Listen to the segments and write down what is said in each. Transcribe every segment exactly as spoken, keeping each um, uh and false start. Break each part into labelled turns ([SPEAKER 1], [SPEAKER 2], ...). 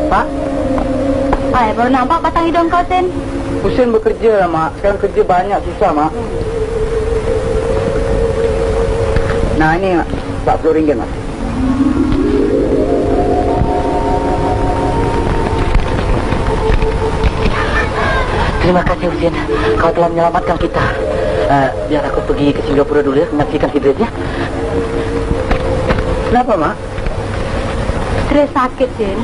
[SPEAKER 1] Pak?
[SPEAKER 2] Hai, baru nampak batang hidung kau, Sen.
[SPEAKER 1] Husin bekerja lah, Mak. Sekarang kerja banyak, susah, Mak. Nah, ini, Mak. empat puluh ringgit, Mak.
[SPEAKER 3] Terima kasih, Husin. Kau telah menyelamatkan kita. Uh, biar aku pergi ke Singapura dulu ya, menyaksikan Idris ya.
[SPEAKER 1] Kenapa, Mak?
[SPEAKER 2] Stres sakit, Sen.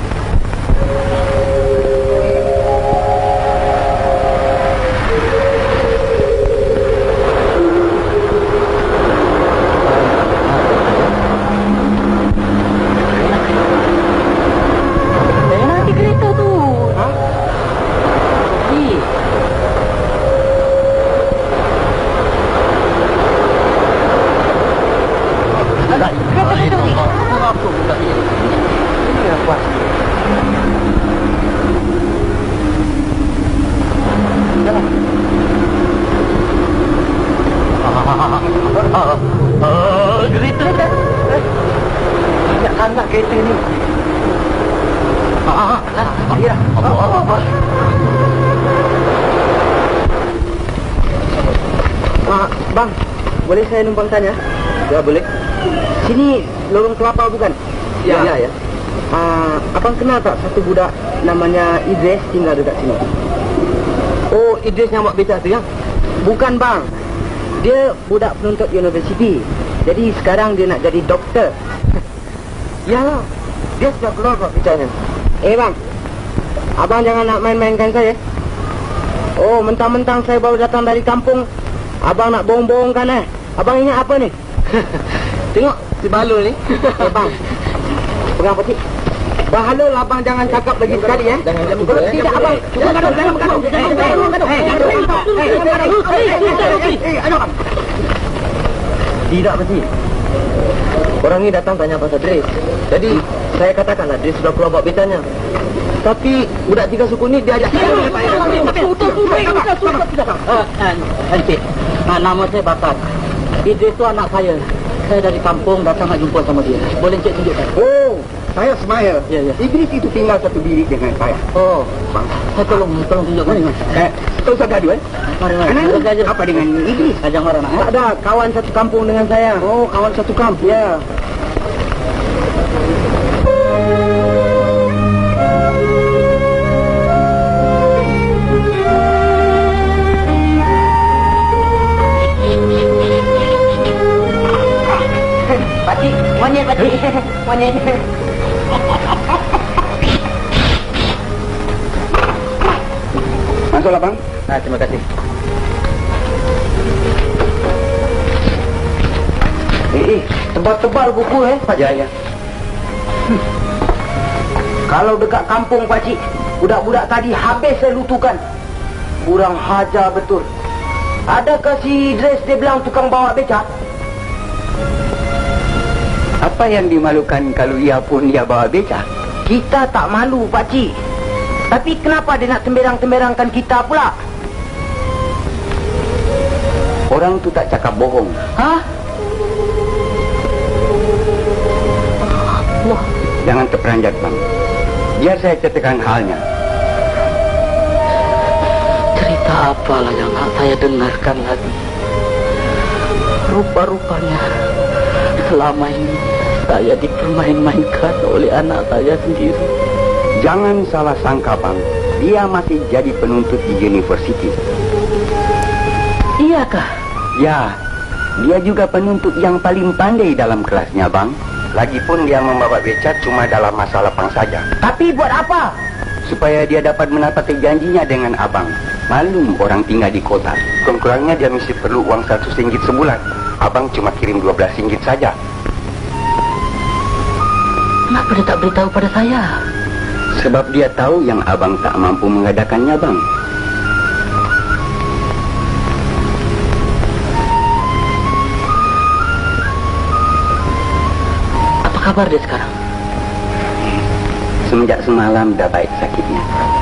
[SPEAKER 1] Kereta ni. Ah, ah, ya. Apa, apa, apa. Ah, bang, boleh saya numpang tanya? Ya, boleh. Sini lorong kelapa bukan? Ya, ya, ya. Ah, abang kenal tak satu budak namanya Idris tinggal dekat sini? Oh, Idris yang buat beca tu ya? Bukan, bang. Dia budak penuntut universiti. Jadi sekarang dia nak jadi doktor. Ya, dia sudah keluar pak bicaranya. Eh bang, abang jangan nak main-mainkan saya. Oh, mentang-mentang saya baru datang dari kampung, abang nak bohong-bohongkan eh. Abang ingat apa ni? Tengok si balul ni. Eh bang, pegang peti. Bahalul abang jangan cakap lagi sekali ya. Jangan jangan kalau tidak abang. Jangan gaduh, jangan gaduh. Jangan gaduh. Eh, aduh. Tidak peti. Orang ni datang tanya pasal Dres. Jadi saya katakanlah Dres sudah keluar buat becanya. Tapi budak tiga suku ni dia ajak saya.
[SPEAKER 3] Encik, nama saya Bakar. Idris tu anak saya. Saya dari kampung datang nak jumpa sama dia. Boleh Encik tunjukkan?
[SPEAKER 1] Oh, saya Ismail.
[SPEAKER 3] Ya, ya.
[SPEAKER 1] Idris itu tinggal satu bilik dengan saya.
[SPEAKER 3] Oh,
[SPEAKER 1] bang,
[SPEAKER 3] saya tolong, tolong tunjukkan.
[SPEAKER 1] Eh, tak usah gaduh eh.
[SPEAKER 3] Mari, mari.
[SPEAKER 1] Anak apa dengan Idris?
[SPEAKER 3] Ajang orang nak.
[SPEAKER 1] Tak ada, kawan satu kampung dengan saya. Oh, kawan satu kampung. Ya.
[SPEAKER 3] Pakcik, monyet pakcik. Monyet.
[SPEAKER 1] Masuklah bang.
[SPEAKER 3] Ah, terima kasih.
[SPEAKER 1] Eh, eh, tebal-tebal buku eh, Pak Jaya. Hmm. Kalau dekat kampung pakcik, budak-budak tadi habis saya lutukan. Kurang hajar betul. Adakah si Idris dia bilang tukang bawa becak? Apa yang dimalukan kalau ia pun dia bawa becak? Kita tak malu pakcik. Tapi kenapa dia nak temberang-temberangkan kita pula? Orang tu tak cakap bohong. Hah? Wah, jangan terperanjat bang. Biar saya ceritakan halnya.
[SPEAKER 3] Cerita apalah yang nak saya dengarkan lagi? Rupa-rupanya selama ini saya dipermain-mainkan oleh anak saya sendiri.
[SPEAKER 1] Jangan salah sangka bang. Dia masih jadi penuntut di universiti.
[SPEAKER 3] Iyakah?
[SPEAKER 1] Ya, dia juga penuntut yang paling pandai dalam kelasnya bang. Lagipun dia membawa becak cuma dalam masa lapang saja. Tapi buat apa? Supaya dia dapat menepati janjinya dengan abang. Malum orang tinggal di kota. Kurang-kurangnya dia mesti perlu uang seratus ringgit sebulan. Abang cuma kirim dua belas ringgit saja.
[SPEAKER 3] Kenapa dia tak beritahu pada saya?
[SPEAKER 1] Sebab dia tahu yang abang tak mampu mengadakannya bang.
[SPEAKER 3] Apa kabar dia sekarang?
[SPEAKER 1] Semenjak semalam dah baik sakitnya.